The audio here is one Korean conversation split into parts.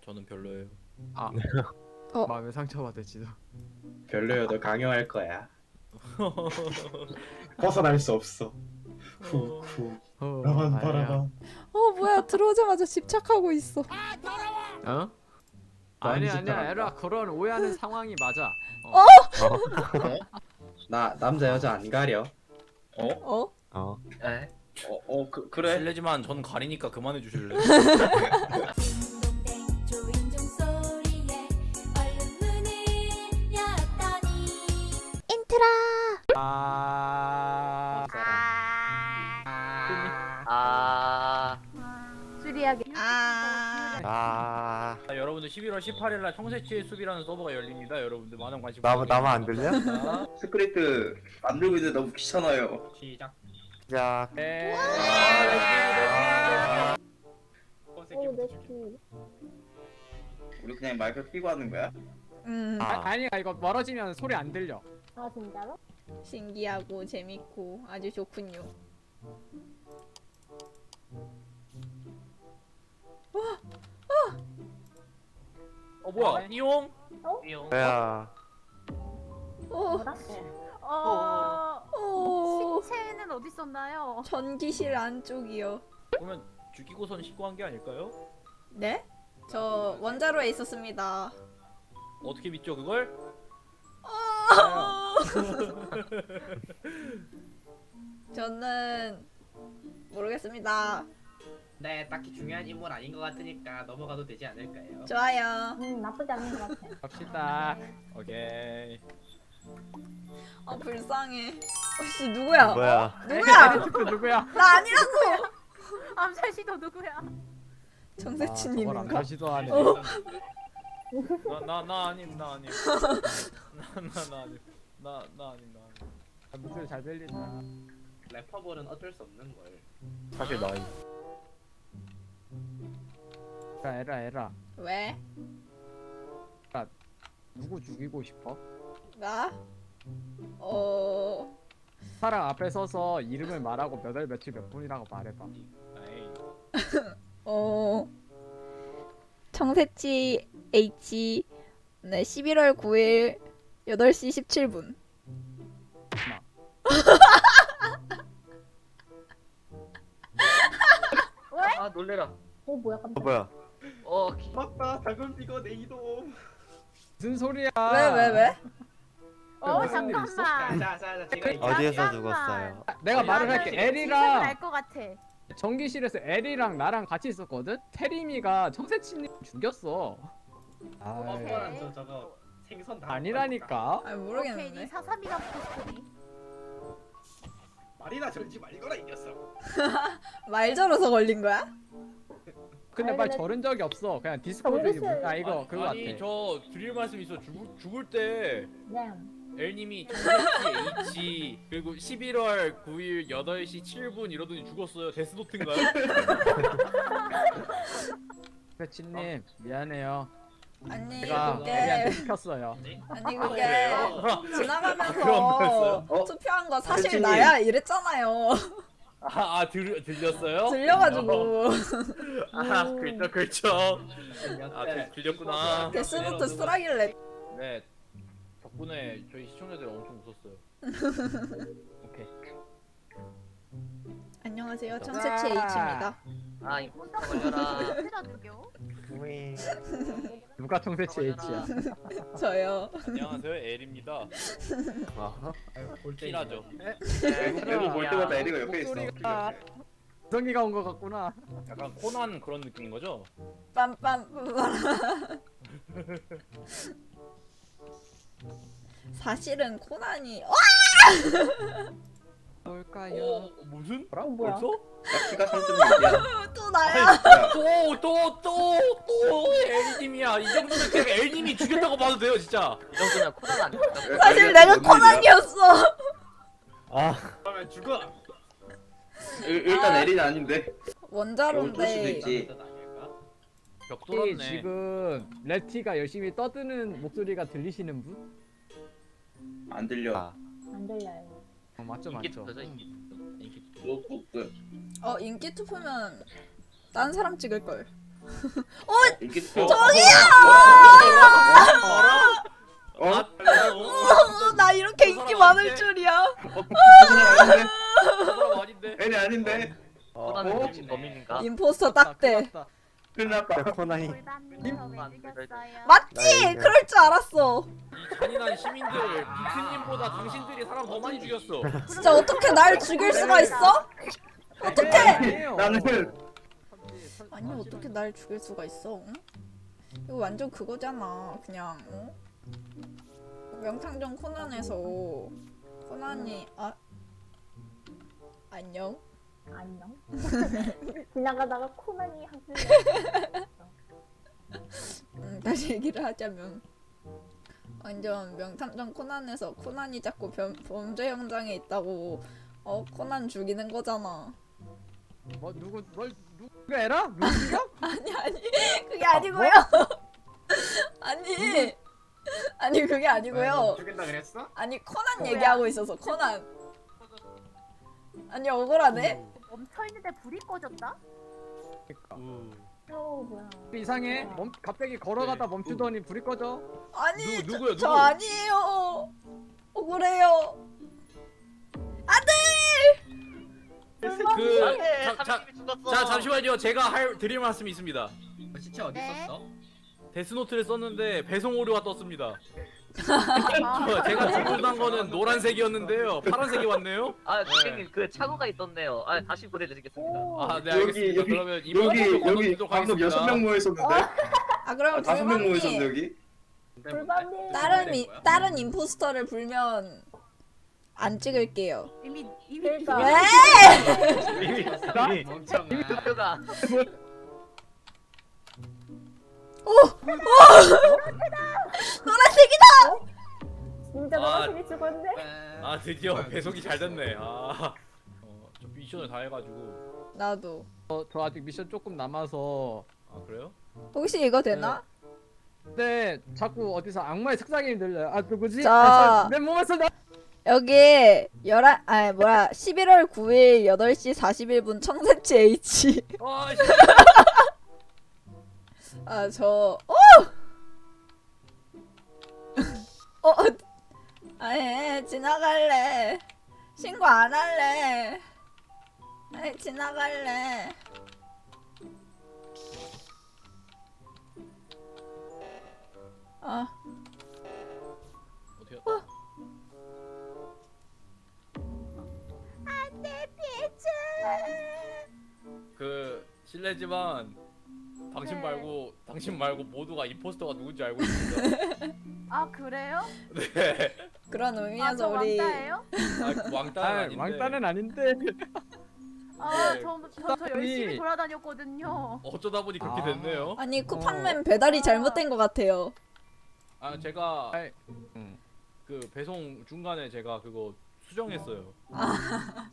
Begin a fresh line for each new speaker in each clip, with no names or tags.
저는 별로예요.
아, 마음에 상처받을지도.
별로여도 강요할 거야. 벗어날 수 없어. 후후. 나만 바라봐.
뭐야 들어오자마자 집착하고 있어.
어? 아니 아니야 에라 그런 오해하는 상황이 맞아.
나 남자 여자 안 가려.
어?
에? 그래.
실례지만 전 가리니까 그만해 주실래?
조인종 소리에 얼른 문을 열었더니
수리하게.
여러분들 11월 18일날 청새치의 숲이라는 서버가 열립니다. 여러분들 많은 관심
나만 안 들려?
부탁드립니다.
스크립트 만들고 있는데 너무 귀찮아요.
시작.
야,
네.
우리 그냥 마이크 끼고 하는 거야?
아니야 이거 멀어지면 소리 안 들려.
아 진짜로?
신기하고 재밌고 아주 좋군요.
뭐야? 이용?
야,
뭐라? 신체는 어디 있었나요?
전기실 안쪽이요.
그러면 죽이고선 신고한 게 아닐까요?
네? 저 원자로에 있었습니다.
어떻게 믿죠 그걸?
저는 모르겠습니다.
네, 딱히 중요한 인물 아닌 것 같으니까 넘어가도 되지 않을까요?
좋아요.
나쁘지 않은 것 같아.
갑시다.
오케이.
불쌍해. 씨 누구야?
뭐야?
누구야?
그 누구야?
나 아니라고.
암살 시도 누구야?
저걸 안
정세치님인가?
다시도 하네.
나 아님. 나 아님. 나 아님.
목소리 잘 들린다.
래퍼볼은 어쩔 수 없는 걸.
사실 나
에라
왜?
누구 죽이고 싶어?
나?
사람 앞에 서서 이름을 말하고 몇 월 며칠 몇 분이라고 말해봐.
에이.
청새치 H 네 11월 9일 8시 17분.
아 놀래라.
뭐야 깜짝.
뭐야?
맞다. 작은 비거 내 이동.
무슨 소리야?
왜?
무슨 일 있어?
잠깐만.
자, 제가
어디에서
잠깐만.
죽었어요?
내가 말을 할게. 엘이랑
알것 같아.
전기실에서 엘이랑 나랑 같이 있었거든. 테리미가 청새치님 죽였어.
퍼퍼랑 저거 생선 다
아니라니까.
아
오케이, 네
모르겠는데.
사삼이가 포스터니.
말이나 저런지 말거라 이 녀석.
말 저러서 걸린 거야?
근데 말 저른 적이 없어. 그냥 디스코드기
정기실.
아 이거 그거
아니
같아.
저 드릴 말씀 있어. 죽을 때
네.
엘님이 청새치 H 그리고 11월 9일 8시 7분 이러더니 죽었어요. 데스노트인가요?
청새치님 미안해요.
아니
제가
그게
엘이한테 시켰어요.
아니
아,
그게
그래요? 그런
지나가면서
거였어요?
투표한 거 사실
선생님.
나야 이랬잖아요.
들렸어요?
들려가지고
그렇죠.
네.
들렸구나.
데스노트 쓰라길래.
네. 덕분에 저희 시청자들 엄청 웃었어요. 오케이.
안녕하세요 청새치 H입니다.
아 이거 걸려라.
어디다 죽여?
누가 청새치 H야?
저요.
안녕하세요. 엘입니다. 티나죠.
외국 볼 때마다 에리가 옆에 있어.
목소리가 성이가 온 것 같구나.
약간 코난 그런 느낌인 거죠?
빰빰. 사실은 코난이
뭘까요?
무슨?
뭐야?
벌써?
야, 키가 3.6이야.
또 나야.
또 엘님이야. 이 정도면 그냥 엘님이 죽였다고 봐도 돼요, 진짜.
이 정도면 코난 아니야?
사실 내가 코난이었어.
그러면 죽어.
일단 에리는 아닌데. 어쩔 수도
원자로인데
있지.
벽
혹시
뚫었네.
지금 레티가 열심히 떠드는 목소리가 들리시는 분?
안 들려.
안 들려요.
맞죠.
뭐 없어요.
인기 투표면 딴 사람 찍을 걸.
이게
나 이렇게 인기 많을 줄이야.
사람 아닌데.
애니 아닌데.
코난은 미친 범인인가?
임포스터 딱대.
큰일 났다.
코나이.
골반님은 왜 죽였어요?
맞지? 그럴 줄 알았어.
이 잔인한 시민들 빅스님보다 당신들이 사람 더 많이 죽였어.
진짜 어떻게 날 죽일 수가 있어? 어떻게?
아니에요.
나는
아니 어떻게 날 죽일 수가 있어? 응? 이거 완전 그거잖아. 그냥 명탐정 코난에서 코난이 안녕.
안녕. 지나가다가 코난이 하필
다시 얘기를 하자면 완전 명탐정 코난에서 코난이 자꾸 범죄 현장에 있다고 코난 죽이는 거잖아.
뭐 누구 에라? 누구 죽여?
아니 그게 아니고요. 아니 그게 아니고요.
죽인다 그랬어?
아니 코난 얘기하고 있어서 코난. 아니 억울하네.
멈춰있는데 불이 꺼졌다? 뭐야.
이상해. 갑자기 걸어가다 멈추더니 불이 꺼져.
아니
누구요,
저
누구?
아니에요. 억울해요.
자 잠시만요. 제가 드릴 말씀이 있습니다.
시체 어디
네.
있었어?
데스노트를 썼는데 배송 오류가 떴습니다.
아,
제가 주문한 거는 노란색이었는데요. 파란색이 왔네요.
아 선생님 그 착오가 있었네요. 아 다시 보내드리겠습니다.
아, 네 알겠습니다. 그러면 이번
여기
건너뛰도록
방금
하겠습니다.
6명 모였었는데.
그럼
5명 모였었는데
불만이
여기.
골반님.
다른 임포스터를 불면 안 찍을게요.
그러니까.
왜?
이미
멍청아.
투표가
노란색이다.
진짜
아.
노란색이 죽었네.
아 드디어 배송이 잘 됐네. 저 미션을 다 해가지고.
나도.
저 아직 미션 조금 남아서.
아 그래요?
혹시 이거 되나?
근데 자꾸 어디서 악마의 색상이 들려요. 아 누구지?
자.
내 몸에서 나.
여기 11월 9일 8시 41분 청새치 H.
아
아니 지나갈래. 신고 안 할래. 아니 지나갈래.
어떻게 했다? 그 실례지만 당신 말고 모두가 임포스터가 누군지 알고 있습니다.
아 그래요?
네.
그런
아,
의미에서
저
우리
왕따예요?
왕따는 아닌데.
왕따는 아닌데.
아,
네.
저 열심히 돌아다녔거든요.
어쩌다 보니 그렇게
아.
됐네요.
아니 쿠팡맨 배달이 잘못된 것 같아요.
아 제가
아이,
그 배송 중간에 제가 그거 수정했어요.
아하.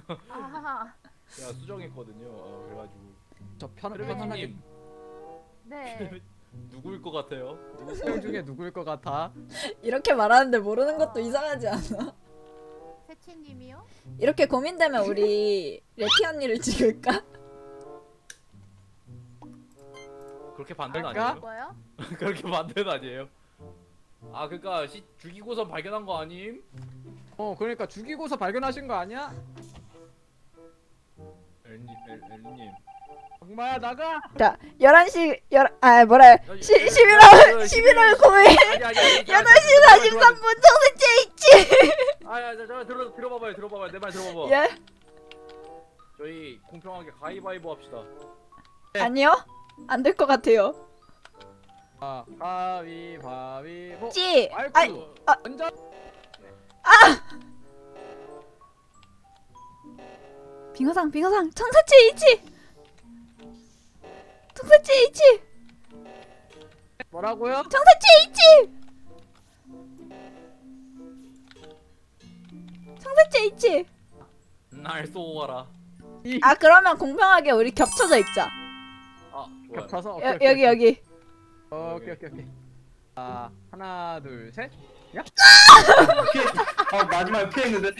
제가 수정했거든요. 그래가지고
저 편안하게
크레베티님
네.
누구일 것 같아요?
명 중에 누구일 것 같아?
이렇게 말하는데 모르는 것도 이상하지 않아?
세치님이요?
이렇게 고민되면 우리 레티 언니를 찍을까?
그렇게 반대는
할까?
아니에요?
뭐요?
그렇게 반대는 아니에요. 아 그니까 죽이고서 발견한 거 아님?
그러니까 죽이고서 발견하신 거 아니야?
엘리님.
악마야 나가.
자 11시 11월 9일 8시 43분 청새치 H.
아야 들어봐봐요. 내 말 들어봐봐.
예?
저희 공평하게 가위바위보 합시다.
아니요? 안 될 것 같아요.
가위바위보.
찌! 아이,
아이고.
아.
완전.
빙어상 청새치 H! 청새치 H!
뭐라고요?
청새치 H! 청새치 H!
날 쏘아라.
아 그러면 공평하게 우리 겹쳐져 있자.
아 좋아요.
겹쳐서.
여기
오케이. 하나 둘 셋.
마지막에 피했는데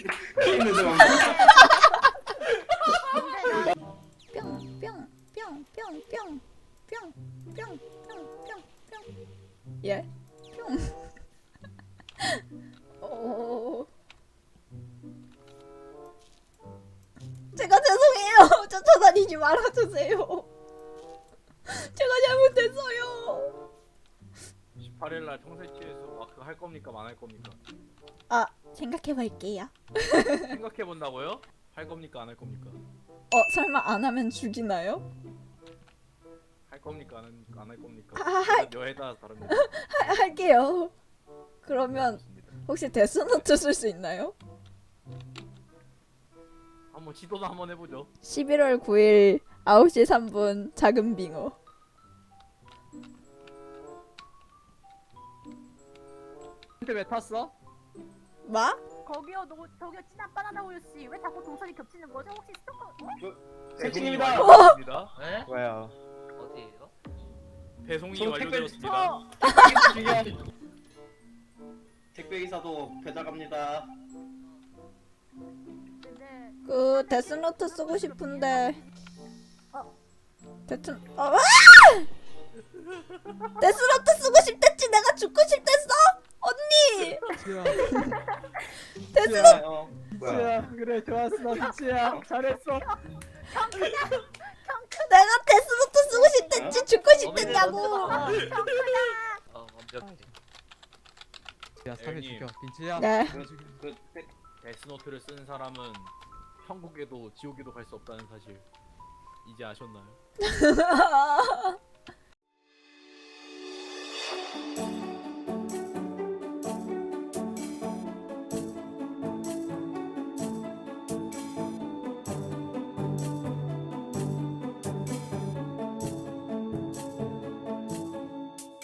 뿅뿅뿅뿅뿅 뿅, 뿅, 뿅, 뿅, 뿅. 예, 뿅. 제가 죄송해요. 쫓아다니지 말아주세요. 제가 잘못했어요.
18일날 청새치에서 마크 할 겁니까 안 할 겁니까?
아, 생각해볼게요.
생각해 본다고요? 할 겁니까 안 할 겁니까?
설마 안 하면 죽이나요?
할 겁니까 안 할 겁니까?
아,
여에 따라 다릅니다.
할게요. 그러면
좋습니다.
혹시 데스노트 쓸 수 있나요?
한번 시도도 한번 해보죠.
11월 9일 9시 3분 작은 빙어.
근데 왜 탔어?
마?
거기요, 저기요, 친한 바나나 우유 씨. 왜 자꾸 동선이 겹치는 거죠? 혹시 스토커?
새침입니다.
완료되었습니다.
네?
왜요?
어디에요?
배송이
저
완료되었습니다.
중요한 택배 기사도 배달 갑니다.
네.
그 데스노트 쓰고 싶은데 데스노트 쓰고 싶댔지. 내가 죽고 싶댔어? 언니!
지야,
데스노트
뭐야?
지야, 그래 좋았어, 지야, 잘했어.
내가 데스노트 쓰고 싶댔지. 죽고 싶댔냐고.
완벽해.
지야, 사회
형님.
죽여, 빈치야.
네.
그
데스노트를 쓴 사람은 천국에도 지옥에도 갈 수 없다는 사실 이제 아셨나요?